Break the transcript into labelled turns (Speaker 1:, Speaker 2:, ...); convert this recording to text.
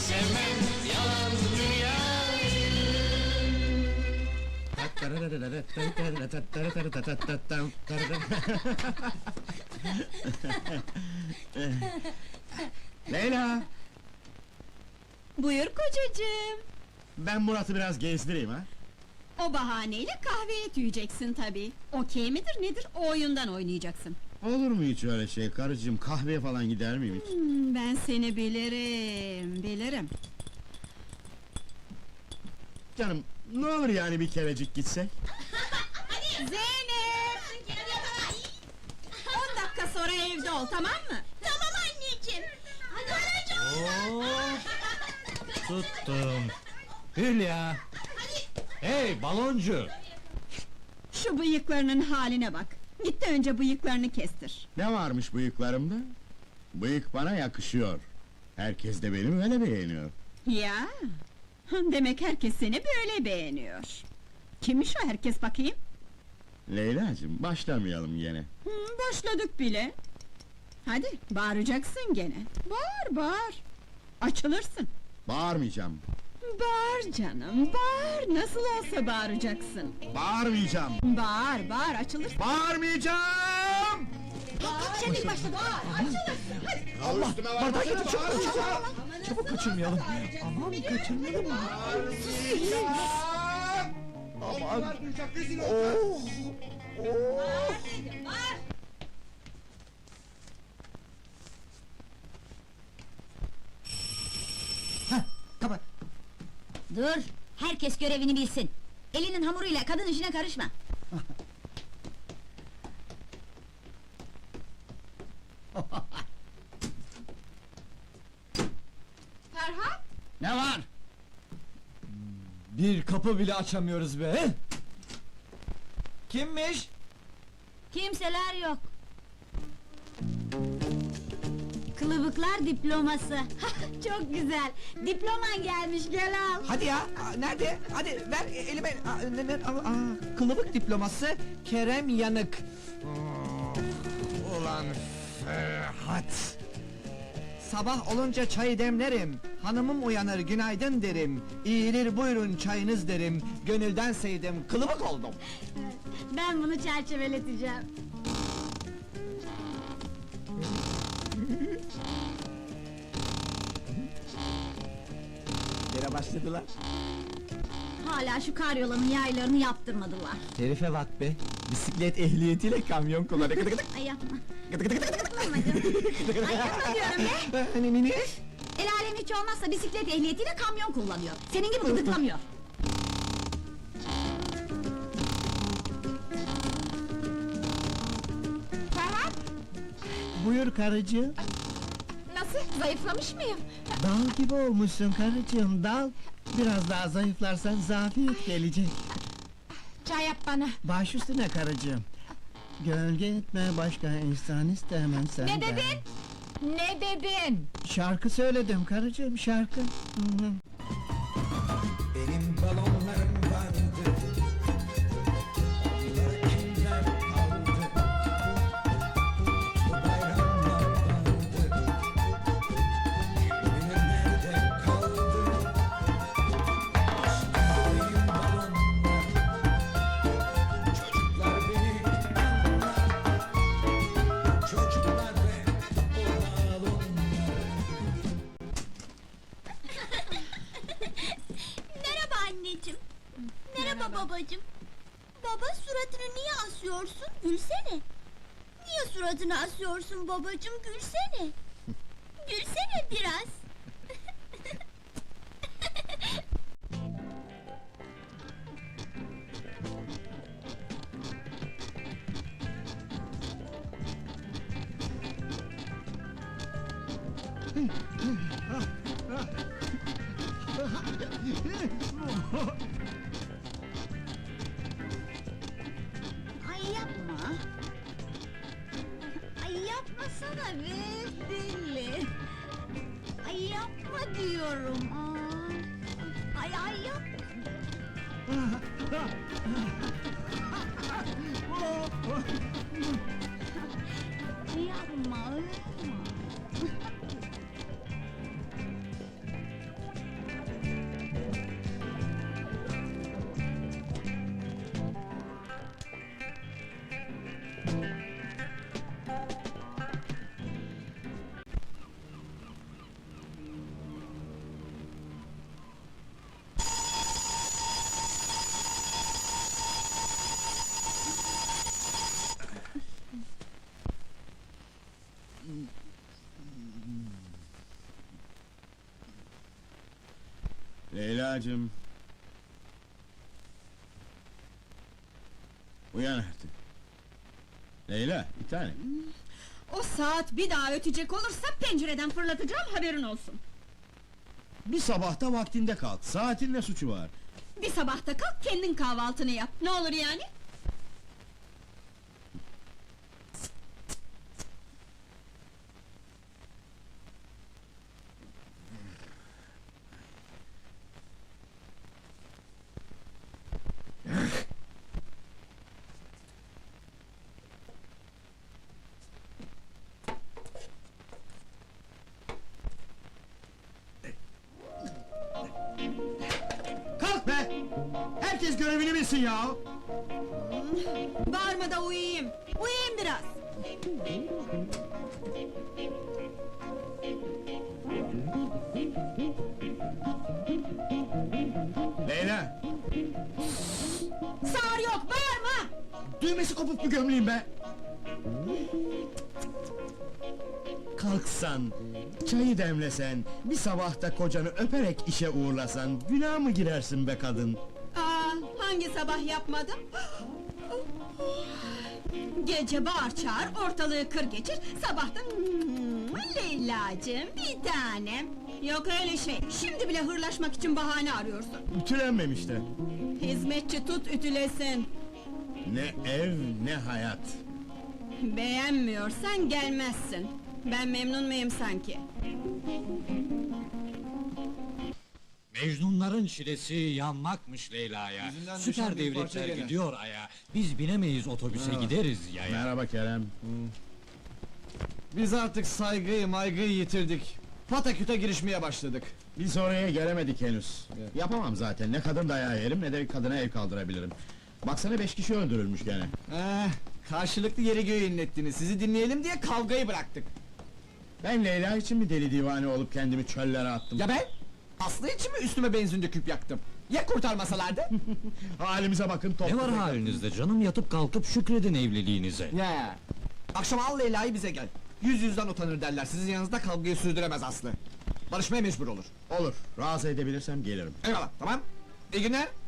Speaker 1: sevmem yalan dünyayı.
Speaker 2: Leyla!
Speaker 3: Buyur kocacığım.
Speaker 2: Ben Murat'ı biraz gezdireyim ha?
Speaker 3: O bahaneyle kahveye tüyeceksin tabii. Okey midir nedir, o oyundan oynayacaksın.
Speaker 2: Olur mu hiç öyle şey karıcığım, kahveye falan gider miyim hiç?
Speaker 3: Ben seni bilirim, bilirim.
Speaker 2: Canım, ne olur yani bir kerecik gitsek?
Speaker 3: Zeynep! 10 dakika sonra evde ol, tamam mı?
Speaker 4: Tamam anneciğim.
Speaker 5: Tuttum. Hülya! Hey baloncu!
Speaker 3: Şu bıyıklarının haline bak. Git de önce bıyıklarını kestir.
Speaker 2: Ne varmış bıyıklarımda? Bıyık bana yakışıyor. Herkes de beni öyle beğeniyor.
Speaker 3: Ya! Demek herkes seni böyle beğeniyor. Kimmiş o herkes bakayım?
Speaker 2: Leyla'cığım, başlamayalım gene.
Speaker 3: Başladık bile. Hadi, bağıracaksın gene. Bağır, bağır. Açılırsın.
Speaker 2: Bağırmayacağım.
Speaker 3: Bağır canım, bağır. Nasıl olsa bağıracaksın.
Speaker 2: Bağırmayacağım.
Speaker 3: Bağır, bağır, açılırsın.
Speaker 2: Bağırmayacağım!
Speaker 3: Sen ilk başta bağır, açılırsın. Hadi.
Speaker 2: Allah!
Speaker 5: Bardağı getir çabuk çabuk! Çabuk kaçırmayalım! Aman kaçırmayalım! Aman! Oh! Oh!
Speaker 4: Kapat. Dur, herkes görevini bilsin. Elinin hamuruyla kadın işine karışma.
Speaker 3: Ferhat!
Speaker 2: Ne var?
Speaker 5: Bir kapı bile açamıyoruz be! Kimmiş?
Speaker 4: Kimseler yok. Kılıbıklar diploması. Çok güzel. Diploman gelmiş, gel al.
Speaker 6: Hadi ya, nerede? Hadi ver elime. Kılıbık diploması Kerem Yanık.
Speaker 5: Ulan Ferhat!
Speaker 6: Sabah olunca çayı demlerim. Hanımım uyanır günaydın derim. İyilir buyurun çayınız derim. Gönülden sevdim, kılıbık oldum.
Speaker 4: Ben bunu çerçeveleteceğim.
Speaker 6: Yere başladılar.
Speaker 4: Hala şu karyolanın yaylarını yaptırmadılar.
Speaker 6: Herife bak be, bisiklet ehliyetiyle kamyon kullanıyor.
Speaker 4: Ay yapma. Yapma canım. Ay yapma diyorum be.
Speaker 6: Hani mini?
Speaker 4: El alem hiç olmazsa bisiklet ehliyetiyle kamyon kullanıyor. Senin gibi gıdıklamıyor.
Speaker 3: Ferhat!
Speaker 7: Buyur karıcığım.
Speaker 3: Nasıl, zayıflamış mıyım?
Speaker 7: Dal gibi olmuşsun karıcığım, dal. Biraz daha zayıflarsan zafiyet gelecek.
Speaker 3: Çay yap bana.
Speaker 7: Baş üstüne karıcığım. Gölge etme başka insan istemem senden.
Speaker 3: Ne dedin? Ne dedin?
Speaker 7: Şarkı söyledim karıcığım, şarkı. Hı hı.
Speaker 8: Benim balonlarım vardı. Onları kimler aldı? Bu bayramlar vardı. Bugün nerede kaldı? Benim balonlar. Çocuklar beni anlar. Çocuklar ve o balonlar.
Speaker 4: Merhaba anneciğim. Merhaba babacığım. Baba suratını niye asıyorsun? Gülsene. Niye suratını asıyorsun babacığım? Gülsene. Gülsene biraz. Ay yapma. Ay yapmasana be deli. Ay yapma diyorum. Ay ay yapma. Yapma, yapma.
Speaker 2: Leyla'cığım. Uyan artık. Leyla, bir tane.
Speaker 3: O saat bir daha ötecek olursa pencereden fırlatacağım, haberin olsun.
Speaker 2: Bir sabahta vaktinde kalk. Saatin ne suçu var?
Speaker 3: Bir sabahta kalk, kendin kahvaltını yap. Ne olur yani?
Speaker 2: Kalk be! Herkes görevini bilsin ya!
Speaker 3: Bağırma da uyuyayım. Uyuyayım biraz.
Speaker 2: Leyla!
Speaker 3: Sağır yok, bağırma!
Speaker 2: Düğmesi kopuk mu gömleğim be? Kalksan, çayı demlesen, bir sabahta kocanı öperek işe uğurlasan, günah mı girersin be kadın?
Speaker 3: Aa, hangi sabah yapmadım? Gece bağır çağır, ortalığı kır geçir, sabahtan Leyla'cığım bir tanem. Yok öyle şey, şimdi bile hırlaşmak için bahane arıyorsun.
Speaker 2: Ütülenmemiş de.
Speaker 3: Hizmetçi tut ütülesin.
Speaker 2: Ne ev, ne hayat.
Speaker 3: Beğenmiyorsan gelmezsin. Ben memnun muyum sanki?
Speaker 9: Mecnunların çilesi yanmakmış Leyla'ya.
Speaker 6: Yüzünden düşen
Speaker 9: Süper
Speaker 6: bir parça
Speaker 9: devletler
Speaker 6: gene.
Speaker 9: gidiyor aya. Biz binemeyiz otobüse gideriz yaya.
Speaker 2: Merhaba Kerem.
Speaker 6: Biz artık saygıyı maygıyı yitirdik. Pataküte girişmeye başladık.
Speaker 2: Biz oraya gelemedik henüz. Yapamam zaten, ne kadın dayağı yerim, ne de kadına el kaldırabilirim. Baksana 5 kişi öldürülmüş gene.
Speaker 6: Karşılıklı yeri göğü inlettiniz. Sizi dinleyelim diye kavgayı bıraktık.
Speaker 2: Ben Leyla için mi deli divane olup kendimi çöllere attım?
Speaker 6: Ya ben? Aslı için mi üstüme benzin döküp yaktım? Ya kurtarmasalardı?
Speaker 2: Halimize bakın, top.
Speaker 9: Ne var halinizde canım, yatıp kalkıp şükredin evliliğinize.
Speaker 6: Ya. Akşam al Leyla'yı bize gel. Yüzden utanır derler. Sizin yanınızda kavgayı sürdüremez Aslı. Barışmaya mecbur olur.
Speaker 2: Olur, razı edebilirsem gelirim.
Speaker 6: Eyvallah, tamam. İyi günler.